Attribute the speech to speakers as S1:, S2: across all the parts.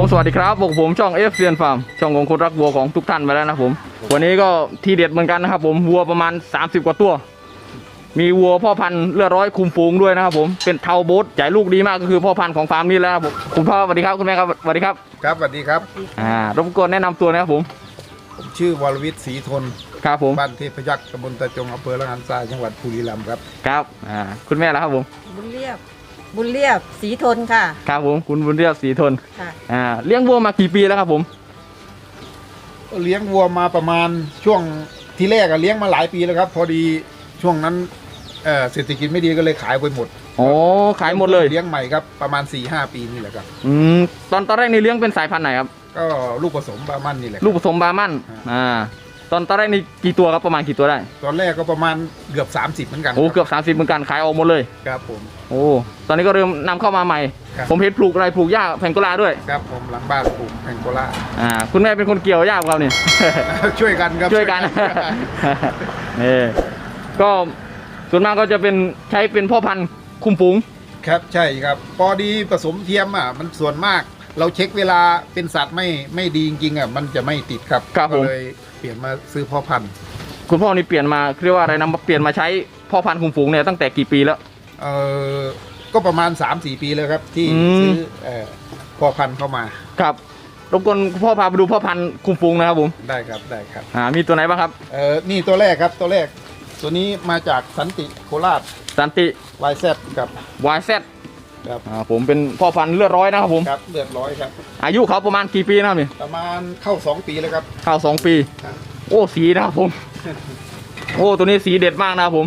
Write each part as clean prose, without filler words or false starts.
S1: สวัสดีครับผมช่องเอฟเซียนฟาร์มช่องของคนรักวัวของทุกท่านไปแล้วนะผมวันนี้ก็ทีเด็ดเหมือนกันนะครับผมวัวประมาณ30กว่าตัวมีวัวพ่อพันธุ์เลือดร้อยคุมฝูงด้วยนะครับผมเป็นเทาโบ๊ทจ่ายลูกดีมากก็คือพ่อพันธุ์ของฟาร์มนี้แล้วครับผมคุณพ่อสวัสดีครับคุณแม่ครับสวัสดีครับ
S2: ครับสวัสดีครับ
S1: รบกวนแนะนำตัวนะครับผม
S2: ชื่อวรวิทย์ศรีทน
S1: ครับผม
S2: บ้านเทพยักษ์ตำบลตะจงอำเภอละหารทรายจังหวัดบุรีรัมย์ครับ
S1: ครับคุณแม่แล้วครับผม
S3: บุญเรียบศรีทนค่ะ
S1: ครับผมคุณบุญเรียบศรีทน
S3: ค่ะ
S1: เลี้ยงวัวมากี่ปีแล้วครับผม
S2: เลี้ยงวัวมาประมาณช่วงที่แรกเลี้ยงมาหลายปีแล้วครับพอดีช่วงนั้นเศรษฐกิจไม่ดีก็เลยขายไปหมด
S1: โอ้ขายหมดเลย
S2: เลี้ยงใหม่ครับประมาณ 4-5 ปีนี่แหละครับ
S1: ตอนแรกนี่เลี้ยงเป็นสายพันธุ์ไหนครับ
S2: ก็ลูกผสมบาร์มันนี่แหละ
S1: ลูกผสมบาร์มันตอนแรกนี่กี่ตัวครับประมาณกี่ตัวได้
S2: ตอนแรกก็ประมาณเกือบ30เหมือนกัน
S1: โอ้เกือบ30เหมือนกันขายออกหมดเลย
S2: ครับผม
S1: โอ้ตอนนี้ก็เริ่มนำเข้ามาใหม่ผมเห็นปลูกอะไรปลูกหญ้าแพงโกลาด้วย
S2: ครับผมหลังบ้านปลูกแพงโกลา
S1: คุณแม่เป็นคนเกี่ยวหญ้าครับนี่
S2: ช่วยกันครับ
S1: ช่วยกันนี่ก็ส่วนมากก็จะเป็นใช้เป็นพ่อพันธุ์คุมฝูง
S2: ครับใช่ครับพอดีผสมเทียมมันส่วนมากเราเช็คเวลาเป็นสัตว์ไม่ดีจริงๆมันจะไม่ติดครับก็เลยเปลี่ยนมาซื้อพ่อพันธุ์
S1: คุณพ่อนี่เปลี่ยนมาเรียกว่าอะไรนะเปลี่ยนมาใช้พ่อพันธุ์คุมฝูงเนี่ยตั้งแต่กี่ปีแล้ว
S2: ก็ประมาณ 3-4 ปีแล้วครับที่ซื้อพ่อพันธุ์เข้ามา
S1: ครับรบกวนพ่อพาไปดูพ่อพันธุ์คุมฝูงนะครับผม
S2: ได้ครับได้ครับ
S1: มีตัวไหนบ้างครับ
S2: นี่ตัวแรกครับตัวแรกตัวนี้มาจากสันติโคราช
S1: สันติ
S2: YZ กับ
S1: YZ ครับผมเป็นพ่อพันธุ์เลือดร้อยนะครับผม
S2: ครับเลือดร้อยครับ
S1: อายุเขาประมาณกี่ปีนะครับนี่
S2: ประมาณเข้า2 ปีแล้วครับ
S1: เข้า2 ปีโอ้สีนะครับผมโอ้ตัวนี้สีเด็ดมากนะครับผม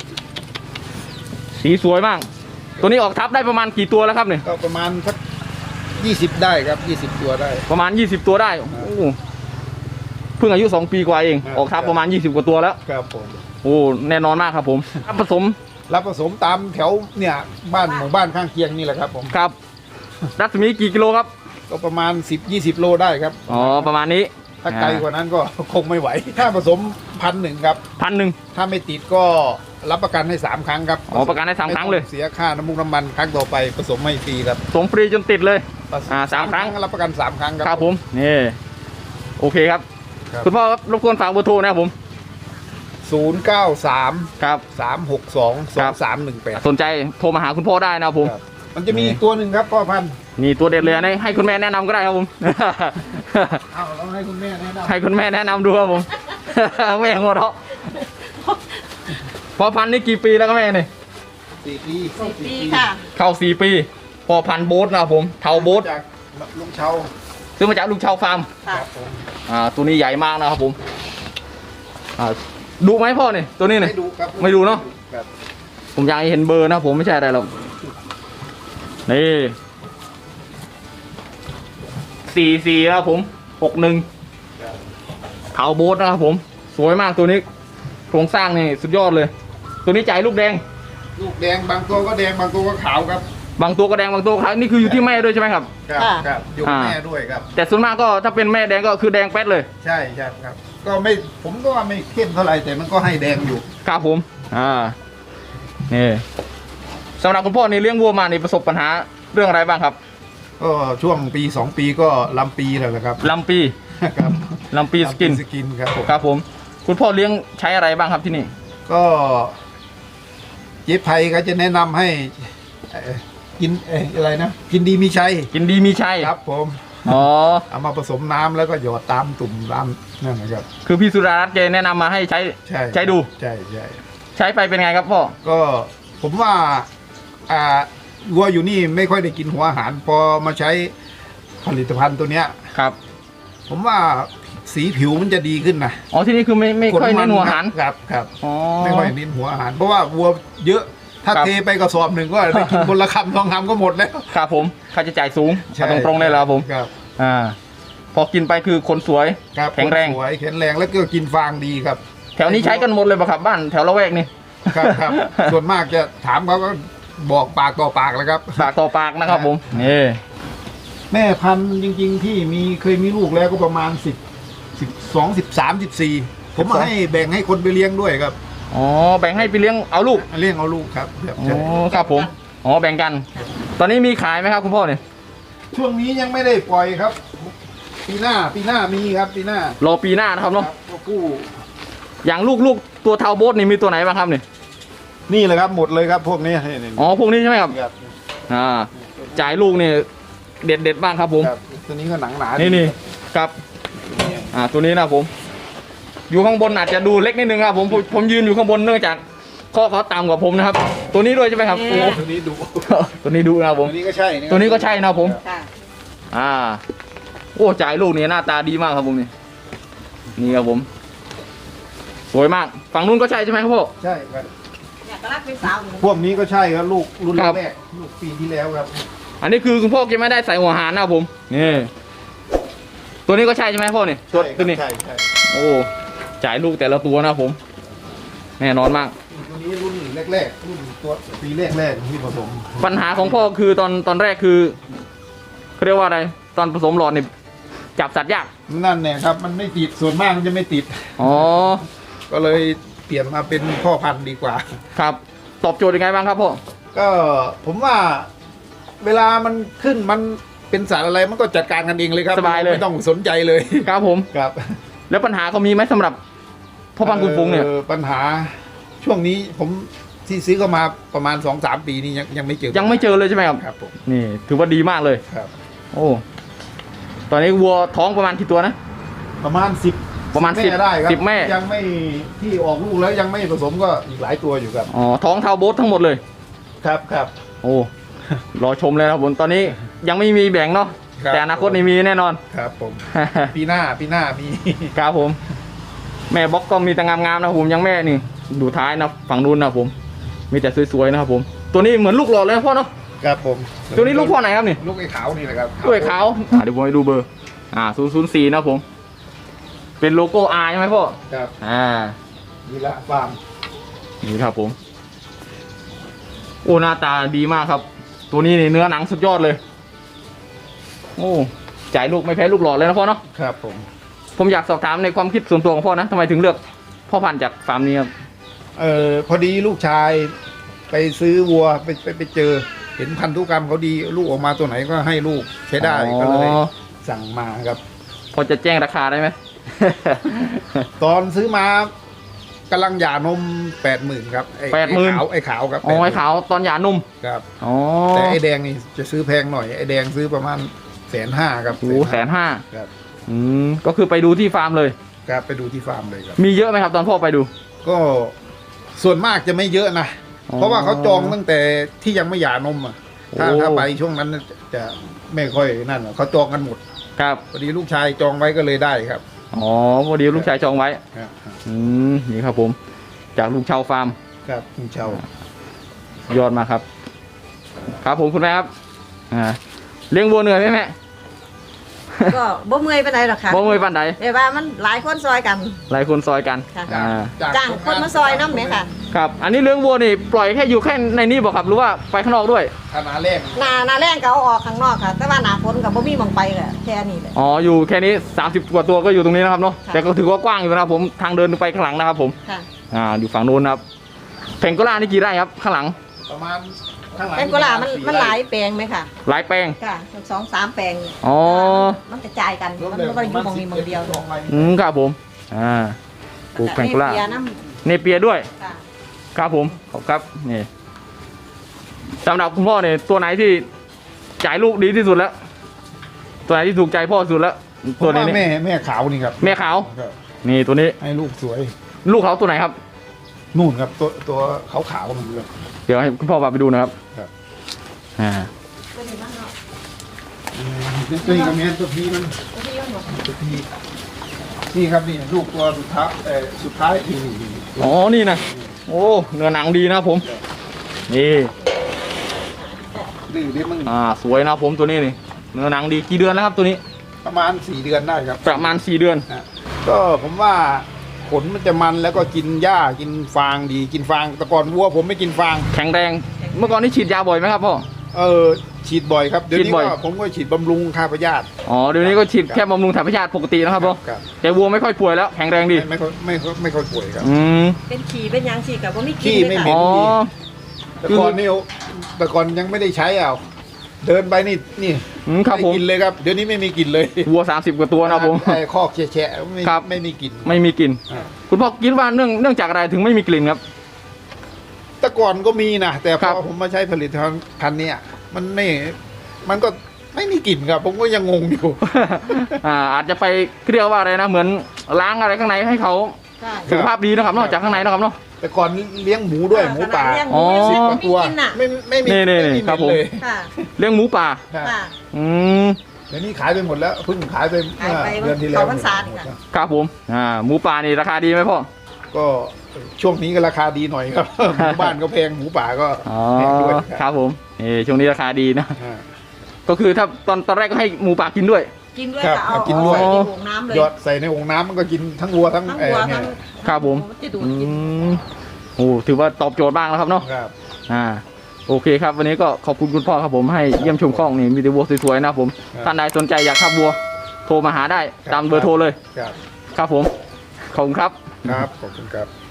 S1: สีสวยมากตัวนี้ออกทับได้ประมาณกี่ตัวแล้วครับเนี่ย
S2: ก็ประมาณสัก20ได้ครับ20ตัวได้
S1: ประมาณ20ตัวได้โอ้เพิ่งอายุ2 ปีกว่าเองออกทับประมาณ20กว่าตัวแล้ว
S2: ครับผม
S1: โอ้แน่นอนมากครับผม
S2: รับผสมตามแถวเนี่ยบ้านหมู่บ้านข้างเคียงนี่แหละครับผม
S1: ครับรัศมีกี่กิโลครับ
S2: ก็ประมาณ10-20 โลได้ครับ
S1: อ๋อประมาณนี้
S2: ถ้าไกลกว่านั้นก็คงไม่ไหวถ้าผสม1,000ครับ
S1: 1,000
S2: ถ้าไม่ติดก็รับประกันให้3 ครั้งครับ
S1: อ๋อประกันให้3 ครั้งเลย
S2: เสียค่าน้ำมันครั้งต่อไปผสมไม่ฟรีครับ
S1: ผสมฟรีจนติดเลย3 ครั้ง
S2: รับประกัน3 ครั้งครับ
S1: ครับผมนี่โอเคครับคุณพ่อรบกวนฝากเบอร์โทรนะครับผม
S2: 093
S1: ครับ
S2: 362 2318
S1: สนใจโทรมาหาคุณพ่อได้นะครับผม
S2: มันจะมีตัวหนึ่งครับพ่อพันธุ์
S1: นี่ตัวเด็ดเลยนะให้คุณแม่แนะนำก็ได้ครับผม
S2: เอาเราให้คุณแม่แนะนำ
S1: ให้คุณแม่แนะนำดูครับผมแม่หัวเราะพ่อพันธุ์นี่กี่ปีแล้วก็แม่เนี่ย
S2: 4 ปี
S3: ค่ะ
S1: เข้า4 ปีพ่อพันธุ์โบ๊ทนะครับผมเทาโบ๊ท
S2: จากลุงเชา
S1: ซื้อมาจากลุงเชาฟาร์มตัวนี้ใหญ่มากนะครับผมดูไหมพ่อเนี่ยตัวนี้เนี่ยไม่ดูเนาะผมอยากให้เห็นเบอร์นะผมไม่ใช่อะไรหรอกนี่44ครับผม61เทาโบ๊ทนะครับผมสวยมากตัวนี้โครงสร้างนี่สุดยอดเลยตัวนี้จ่ายลูกแดง
S2: บางตัวก็แดงบางตัวก็ขาวครับ
S1: บางตัวก็แดงบางตัวขาวนี่คืออยู่ที่แม่ด้วยใช่ไหมครับ
S2: ครับอยู่แม่ด้วยครับ
S1: แต่ส่วนมากก็ถ้าเป็นแม่แดงก็คือแดงแป๊ดเลย
S2: ใช่ครับก็ไม่ผมก็ว่าไม่เข้มเท่าไหร่แต่มันก็ให้แดงอยู่
S1: ครับผมนี่สำหรับคุณพ่อในเลี้ยงวัวมาในประสบปัญหาเรื่องอะไรบ้างครับ
S2: ก็ช่วงปี2 ปีก็ลำปีแล้วนะครับ
S1: ลำปี
S2: ครับ
S1: ลำปีสกินครับผมคุณพ่อเลี้ยงใช้อะไรบ้างครับที่นี่
S2: ก็เจ๊ไพก็จะแนะนำให้กินอะไรนะกินดีมีชัยครับผมเอามาผสมน้ำแล้วก็หยอดตามตุ่มตามนั่นนะครับ
S1: คือพี่สุดารัตน์แกแนะนำมาให้ใช้ดูใช้ไปเป็นไงครับพ่อ
S2: ก็ผมว่าวัวอยู่นี่ไม่ค่อยได้กินหัวอาหารพอมาใช้ผลิตภัณฑ์ตัวเนี้ย
S1: ครับ
S2: ผมว่าสีผิวมันจะดีขึ้นนะ
S1: ที่นี่คือไม่ค่อยเน้นหัวอาหาร
S2: ครับไม่ค่อยเน้นหัวอาหารเพราะว่าวัวเยอะถ้าเทไปกระสอบหนึ่งก็ได้กินคนละคำ2 คำก็หมดแล้ว
S1: ครับผมค่าใช้จ่ายสูงตรงๆเลยแล้วผม
S2: ครับ
S1: พอกินไปคือคนสวยแข็งแรง
S2: แล้วก็กินฟางดีครับ
S1: แถวนี้ใช้กันหมดเลยป่ะครับบ้านแถวละแวกนี่
S2: ครับส่วนมากจะถามเขาก็บอกปากต่อปากแล้วครับ
S1: ปากต่อปากนะครับผมนี่
S2: แม่พันธุ์จริงๆที่เคยมีลูกแล้วก็ประมาณ12 13 14ผมให้แบ่งให้คนไปเลี้ยงด้วยครับ
S1: แบ่งให้ไปเลี้ยงเอาลูก
S2: ครับ
S1: ครับผมแบ่งกันตอนนี้มีขายไหมครับคุณพ่อเนี่ย
S2: ช่วงนี้ยังไม่ได้ปล่อยครับ ปีหน้ามีครับปีหน้าร
S1: อปีหน้านะครับเนาะ
S2: ก็กู้
S1: อย่างลูกตัวเทาโบสนี่มีตัวไหนบ้างครับเนี่ย
S2: นี่แหละครับหมดเลยครับพวกนี้นี่
S1: อ๋อพวกนี้ใช่ไหมครับ
S2: ครับ
S1: จ่ายลูกนี่เด็ดบ้างครับผม
S2: ครับตัวนี้ก็หนังหนา
S1: นี่ครับตัวนี้นะผม อยู่ข้างบนอาจจะดูเล็กนิดนึงครับผมยืนอยู่ข้างบนเนื่องจากข้อเขาต่ำกว่าผมนะครับ ตัวนี้ด้วยใช่ไหมครับโอ้
S2: ตัวนี้ดุ
S1: ตัวนี้ดูนะครับผม
S2: ตัวนี้ก็ใช่
S1: ตัวนี้ก็ใช่นะครับผม
S3: ค่ะ
S1: โอ้จ่ายลูกนี่หน้าตาดีมากครับผมนี่ครับผม สวยมากฝั่งนู้นก็ใช่ใช่ไหมครับพ่อ
S2: ใช่ครับ
S3: อยากจะรักเป็นสาวอยู่
S2: พวกนี้ก็ใช่ครับลูกรุ่น
S1: ครับ
S2: แรกลูกปีที่แล้วครับ
S1: อันนี้คือคุณพ่อแกไม่ได้ใส่หัวหารนะครับผมนี่ตัวนี้ก็ใช่ใช่ไหมพ่อเนี่ยตัวนี้
S2: ใช่ใช่
S1: โอ้จ่ายลูกแต่ละตัวนะครับผมแน่นอนมาก
S2: ตัวนี้รุ่นแรกรุ่นตัวปีแรกที่ผสม
S1: ปัญหาของพ่อคือตอนแรกคือเขาเรียกว่าอะไรตอนผสมหลอดนี่จับสัตว์ยาก
S2: นั่นเนี่ยครับมันไม่ติดส่วนมากมันจะไม่ติด
S1: อ๋อ
S2: ก็เลยเปลี่ยนมาเป็นพ่อพันธุ์ดีกว่า
S1: ครับตอบโจทย์ยังไงบ้างครับพ่อ
S2: ก็ผมว่าเวลามันขึ้นมันเป็นสารอะไรมันก็จัดการกันเองเลยครับ
S1: สบายเลย
S2: ไม่ต้องสนใจเลย
S1: ครับผม
S2: ครับ
S1: แล้วปัญหาเขามีไหมสำหรับพ่อพันธุ์คุณฟุ้งเนี่ย
S2: ปัญหาช่วงนี้ผมที่ซื้อก็มาประมาณ 2-3 ปีนี้ยังไม่เจอ
S1: ยังไม่เจอเลยใช่ไหมครับ
S2: ครับผม
S1: นี่ถือว่าดีมากเลย
S2: ครับ
S1: โอ้ตอนนี้วัวท้องประมาณกี่ตัวนะ
S2: ประมาณ10
S1: ประมาณ
S2: แม่ได้ครับ
S1: 10แม่
S2: ยังไม่ที่ออกลูกแล้วยังไม่ผสมก็อีกหลายตัวอยู่ครับ
S1: อ๋อท้องเทาโบสทั้งหมดเลย
S2: ครับครับ
S1: โอ้รอชมเลยนะครับผมตอนนี้ยังไม่มีแบ่งเนาะ
S2: ครับ
S1: แต่อนาคตนี่มีแน่นอน
S2: ครับผม ปีหน้ามี
S1: ครับผม แม่บล็อกก็มีแต่งามๆนะครับผมยังแม่นี่ดูท้ายนะฝั่งนู้นนะครับผม มีแต่สวยๆนะครับผม ตัวนี้เหมือนลูกหล่อเลยนะพ่อเนาะ
S2: ครับผม
S1: ตัวนี้ลูกพ่อไหนครับนี่
S2: ลูกไอ้ขาวนี่แหละครับ
S1: ด้วยขาวเดี๋ยวผมให้ดูเบอร์004นะครับผม เป็นโลโก้ R ใช่ไหมพ่อ
S2: ครับ นี่ละฟาร์ม
S1: นี่ครับผม โอ้หน้าตาดีมากครับ ตัวนี้นี่เนื้อหนังสุดยอดเลย โอ้จ่ายลูกไม่แพ้ลูกหล่อเลยนะพ่อเนาะ
S2: ครับผม
S1: ผมอยากสอบถามในความคิดส่วนตัวของพ่อนะทำไมถึงเลือกพ่อพันธุ์จากฟาร์มนี้ครับ
S2: พอดีลูกชายไปซื้อวัวไปเจอ เห็นพันธุกรรมเขาดีลูกออกมาตัวไหนก็ให้ลูกใช้ได้ก็เลยสั่งมาครับ
S1: พอจะแจ้งราคาได้ไหม
S2: ตอนซื้อมากำลังหย่านม 80,000ครับไอ้
S1: 80,000
S2: ไอ้ขาวครับ
S1: อ๋อไอ้ขาวตอนหย่านุ่ม
S2: ครับ
S1: อ๋อ
S2: แต่ไอ้แดงนี่จะซื้อแพงหน่อยไอ้แดงซื้อประมาณ150,000ครับ
S1: โอ้150,000
S2: ครับ
S1: ก็คือไปดูที่ฟาร์มเลย
S2: ครับไปดูที่ฟาร์มเลยครับ
S1: มีเยอะไหมครับตอนพ่อไปดู
S2: ก็ส่วนมากจะไม่เยอะนะ
S1: อ๋อ
S2: เพราะว่าเขาจองตั้งแต่ที่ยังไม่หย่านมอ่ะถ้า
S1: โอ้
S2: ถ้าไปช่วงนั้นจะไม่ค่อยนั่นหรอกเขาจองกันหมด
S1: ครับ
S2: พอดีลูกชายจองไว้ก็เลยได้ครับ
S1: อ๋อพอดีลูกชายจองไว้
S2: ครับ
S1: นี่ครับผม จากลุงเชาฟาร์ม
S2: ครับคุณเชาย
S1: อดมากครับ ครับผมคุณแม่ครับเลี้ยงวัวเหนื่อยไหมแม่
S3: ก็บ่เมื่อยไปไหนใดหรอกค่ะ
S1: บ่เมื่อยปันใด
S3: แต่ว่ามันหลายคนซอยกัน
S1: หลายคนซอยกัน
S3: ค่ะ
S1: อ่า
S3: จ้างคนมาซอยน้ำไหมค่ะ
S1: ครับ อันนี้เลี้ยงวัวนี่ปล่อยแค่อยู่แค่ในนี้บอกครับหรือว่าไปข้างนอกด้วย
S2: ขนาดแรก
S3: หนาแรงก็เอาออกข้างนอกค่ะ แต่ว่าหนาฝนกับบ่มีหมองไปเลยแค่นี้เลย
S1: อ๋ออยู่แค่นี้30กว่าตัวก็อยู่ตรงนี้นะครับเนาะ
S3: ค่ะ
S1: แต่ก็ถือว่ากว้างอยู่นะครับผมทางเดินไปข้างหลังนะครับผม
S3: ค่ะ
S1: อยู่ฝั่งโน้นนะครับแผงโกล่านี่กี่ไร่ครับข้างหลัง
S2: ประมาณข้างหลัง
S3: เป็นกุหลาบมันหลายแปลงไหมค่ะ
S1: หลายแปลง
S3: ค่ะ2-3 แปลง
S1: อ๋อ
S3: มันกระจายกันมันไม่ได้อยู่หมองนี้หมองเดียว
S1: ครับผมปลูกแผงโกล่า
S3: เปียน้
S1: เนเปียด้วย
S3: ำค่ะ
S1: ครับผมขอบครับนี่สำหรับคุณพ่อเนี่ยตัวไหนที่จ่ายลูกดีที่สุดแล้ว ตัวไหนที่ถูกใจพ่อสุดแล้ว
S2: ตั
S1: ตัว ว
S2: นี้
S1: นี้นี่
S2: แม่ขาวนี่ครับ
S1: แม่ขาว
S2: ครับ
S1: นี่ตัวนี้
S2: ให้ลูกสวย
S1: ลูกเขาตัวไหนครับ
S2: นู่นครับตัวขาวๆมันเลย
S1: เดี๋ยวให้คุณพ่อพาไปดูนะครับ
S2: ครับ
S3: ตัวนี้มันเนาะ
S2: นี่กับแม่ตัวพีมัน
S3: ตัวที่มันหมด
S2: ตัวพีนี่ครับนี่ลูกตัวสุดท้ายที่
S1: อ๋อนี่นะโอ้เนื้อหนังดีนะครับผม นี่
S2: ดื้อเลี้ยงมัน
S1: สวยนะครับผมตัวนี้นี่เนื้อหนังดีกี่เดือนแล้วครับตัวนี้
S2: ประมาณ4 เดือนได้ครับ
S1: ประมาณ4 เดือน
S2: นะก็ผมว่าขนมันจะมันแล้วก็กินหญ้ากินฟางดีกินฟางแต่ก่อนวัวผมไม่กินฟาง
S1: แข็งแรง เมื่อก่อนนี่ฉีดยาบ่อยไหมครับพ่อ
S2: ฉีดบ่อยครับเดี๋ยว
S1: ฉี
S2: นี้
S1: ดบ่อย
S2: ก็ผมก็ฉีดบำรุงฆ่าพยาธิ
S1: อ๋อเดี๋ยวนี้ก็ฉีดแค่บำรุงถ่ายพยาธิปกตินะครับพ่อ
S2: ครับ
S1: แต่วัวไม่ค่อยป่วยแล้วแข็งแรงดี
S2: ไม่ค่อยป่วยครับ
S3: เป็นขี่เป็นหยังฉีดกับว่าไม่กิน
S2: ขี้
S3: เลย
S2: ไม่เหม็
S3: ค่ะ
S2: น
S1: อ๋อ
S2: แต่ก่อนนี่แต่ก่อนยังไม่ได้ใช้เอาเดินไปนี่
S1: ครับผม
S2: ไม่กินเลยครับเดี๋ยวนี้ไม่มีกลิ่นเลย
S1: วัว30กว่าตัวนะครับผม
S2: ไอ้คอกแฉะๆไม่
S1: ครับ
S2: ไม่มีกลิ่น
S1: ไม่มีกลิ่น
S2: อ่า
S1: คุณพ่อคิดว่าเนื่องจากอะไรถึงไม่มีกลิ่นครับ
S2: แต่ก่อนก็มีนะแต่พ
S1: ครั
S2: อบ ผมมาใช้ผลิตภัณฑ์เนี่ยมันก็ไม่มีกลิ่นครับ ผมก็ยังงงอยู่
S1: อาจจะไปเรียกว่าอะไรนะเหมือนล้างอะไรข้างในให้เขา
S3: ใช่
S1: สุขภาพดีนะครับนอกจากข้างในนะครับเนาะ
S2: แต่ก่อนเลี้ยงหมูด้วยหมูป่า
S3: เลี้ยงห
S1: อ๋
S3: มู
S1: อ
S3: สิบ
S2: 10
S3: กว่า
S2: กว่าตัว
S3: กินน่ะ
S2: ไม่มี
S1: นี่
S2: ไม่มี
S1: ครับผม
S2: เลย
S3: ค่ะ
S1: เลี้ยงหมูป่า
S2: ครับ
S3: ค่ะ
S1: อืม
S2: เดี๋ยวนี้ขายไปหมดแล้วเพิ่งขายไป
S3: ขายไป
S2: เดือนที่แล้ว
S3: เข้าพรรษานี่
S2: หมด
S3: ค่ะ
S2: แล้ว
S1: ครับผมหมูป่านี่ราคาดีไหมพ่อ
S2: ก็ช่วงนี้ก็ราคาดีหน่อยครับ หมูบ้านก็แพงหมูป่าก็
S1: อ๋อ
S2: แพงด้วย
S1: ครับผมช่วงนี้ราคาดีนะ
S2: อ่า
S1: ก็คือถ้าตอนแรกก็ให้หมูป่ากินด้วย
S3: กินด้วย
S2: ครับ
S3: ก็เอา
S2: กินด้วย
S3: ใส่ในโอ่งน้ำเลย
S2: หยอดใส่ในโอ่งน้ำมันก็กินทั้งวัวทั้ง
S3: ทั้งวัว
S2: เนี่
S3: ทั้
S2: ย
S3: ง
S1: ครับผม
S3: จะดูด
S1: อื
S3: กิน
S1: มโอ้ถือว่าตอบโจทย์บ้างแล้วครับเนาะ
S2: ครับ
S1: โอเคครับ วันนี้ก็ขอบคุณคุณพ่อครับผมให้เยี่ยมชมข้องนี่มีแต่วัวสวยๆนะครับผม
S2: ครับ
S1: ท่านใดสนใจอยากขับวัวโทรมาหาได้
S2: ครับ
S1: ตามเบอร์โทรเลย
S2: ครับ
S1: ครับผมขอบคุณครับ
S2: ครับขอบคุณครับ